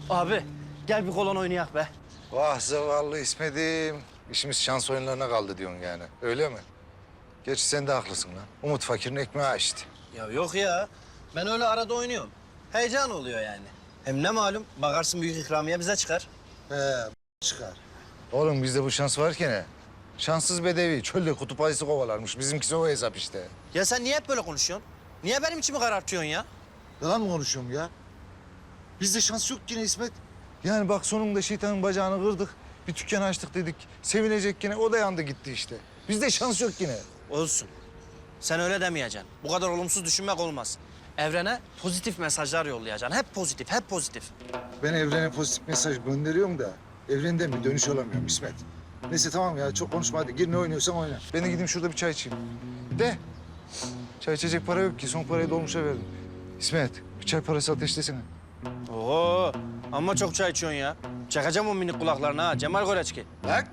Abi gel bir kolon oynayak be. Vah zavallı İsmet'im. İşimiz şans oyunlarına kaldı diyorsun yani. Öyle mi? Gerçi sen de haklısın lan. Umut fakirin ekmeği işte. Ya yok ya. Ben öyle arada oynuyorum. Heyecan oluyor yani. Hem ne malum bakarsın büyük ikramiye bize çıkar. Çıkar. Oğlum bizde bu şans varken he. Şanssız bedevi çölde kutup ayısı kovalarmış. Bizimkisi o hesap işte. Ya sen niye hep böyle konuşuyorsun? Niye benim içimi karartıyorsun ya? Yalan mı konuşuyorum ya? Bizde şans yok yine İsmet. Yani bak sonunda şeytanın bacağını kırdık. Bir dükkan açtık dedik. Sevinecek yine o da yandı gitti işte. Bizde şans yok yine. Olsun. Sen öyle demeyeceksin. Bu kadar olumsuz düşünmek olmaz. Evrene pozitif mesajlar yollayacaksın. Hep pozitif, hep pozitif. Ben evrene pozitif mesaj gönderiyorum da evrenden bir dönüş alamıyorum İsmet. Neyse tamam ya çok konuşma hadi gir ne oynuyorsan oyna. Ben de gideyim şurada bir çay içeyim. De. Çay içecek para yok ki son parayı dolmuşa verdim. İsmet bir çay parası ateşlesene. Oo, ama çok çay içiyorsun ya. Çakacağım o minik kulaklarını ha. Cemal Goreçki. Bak.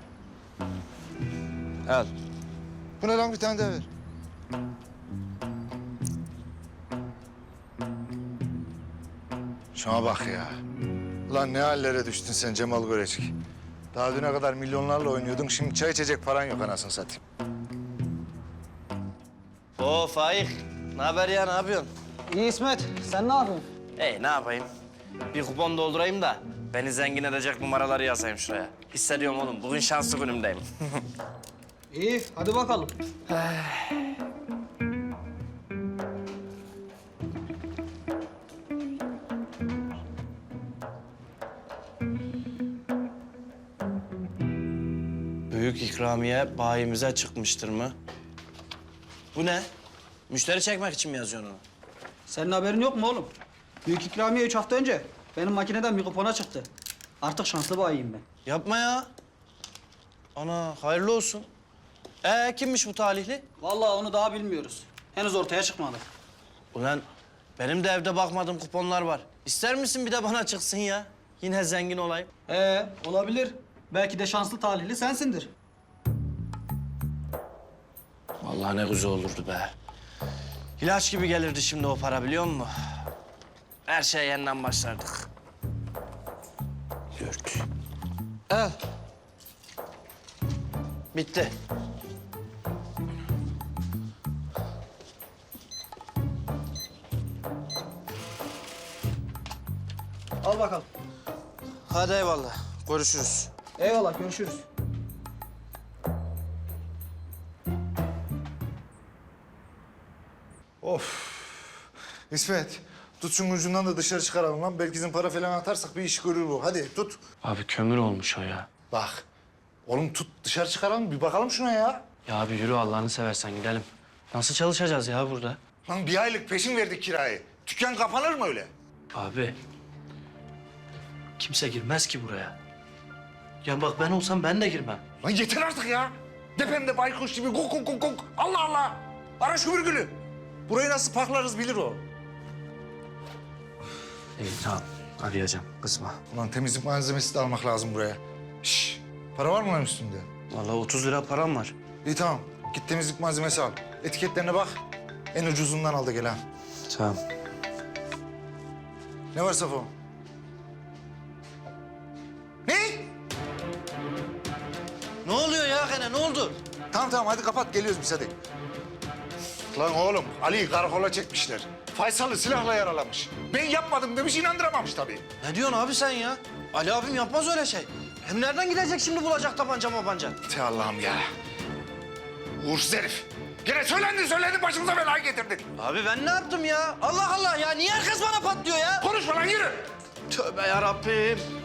Al. Bu ne lan bir tane daha ver. Şuna bak ya. Lan ne hallere düştün sen Cemal Göreçki. Daha düne kadar milyonlarla oynuyordun. Şimdi çay içecek paran yok anasını satayım. Oo Faik. Ne haber ya, ne yapıyorsun? İyi İsmet, sen ne yapıyorsun? Ne yapayım? Bir kupon doldurayım da beni zengin edecek numaraları yazayım şuraya. Hissediyorum oğlum, bugün şanslı günümdeyim. İyi, hadi bakalım. Büyük ikramiye bayimize çıkmıştır mı? Bu ne? Müşteri çekmek için mi yazıyorsun onu? Senin haberin yok mu oğlum? Büyük ikramiye 3 hafta önce benim makineden bir kupona çıktı. Artık şanslı bayiyim ben. Yapma ya. Ana, hayırlı olsun. Kimmiş bu talihli? Vallahi onu daha bilmiyoruz. Henüz ortaya çıkmadı. Ulan benim de evde bakmadığım kuponlar var. İster misin bir de bana çıksın ya? Yine zengin olayım. Olabilir. Belki de şanslı talihli sensindir. Vallahi ne güzel olurdu be. İlaç gibi gelirdi şimdi o para biliyor musun? Her şeye yeniden başlardık. 4. Al. Bitti. Al bakalım. Hadi eyvallah. Görüşürüz. Eyvallah, görüşürüz. İsmet tut şunun ucundan da dışarı çıkaralım lan. Belki bizim para falan atarsak bir iş görür bu. Hadi tut. Abi kömür olmuş o ya. Bak. Oğlum tut dışarı çıkaralım bir bakalım şuna ya. Ya abi yürü Allah'ını seversen gidelim. Nasıl çalışacağız ya burada? Lan bir aylık peşin verdik kirayı. Dükkan kapanır mı öyle? Abi. Kimse girmez ki buraya. Ya bak ben olsam ben de girmem. Lan yeter artık ya. Depemde baykuş gibi kok kok kok kok. Allah Allah. Ara şu virgülü. Burayı nasıl paklarız bilir o. İyi tamam. Arayacağım. Kızma. Ulan temizlik malzemesi de almak lazım buraya. Şş, para var mı lan üstünde? Vallahi 30 lira param var. İyi tamam. Git temizlik malzemesi al. Etiketlerine bak. En ucuzundan al da gel ha. Tamam. Ne var Safo? Ne? Ne oluyor ya gene? Ne oldu? Tamam tamam hadi kapat geliyoruz biz hadi. Lan oğlum Ali'yi karakola çekmişler. Faysal'ı silahla yaralamış. Ben yapmadım demiş inandıramamış tabii. Ne diyorsun abi sen ya? Ali abim yapmaz öyle şey. Hem nereden gidecek şimdi bulacak tabanca mabanca? Te Allah'ım ya. Uğursuz herif. Gene söylendin başımıza belayı getirdin. Abi ben ne yaptım ya? Allah Allah ya niye herkes bana patlıyor ya? Konuşma lan yürü. Tövbe yarabbim.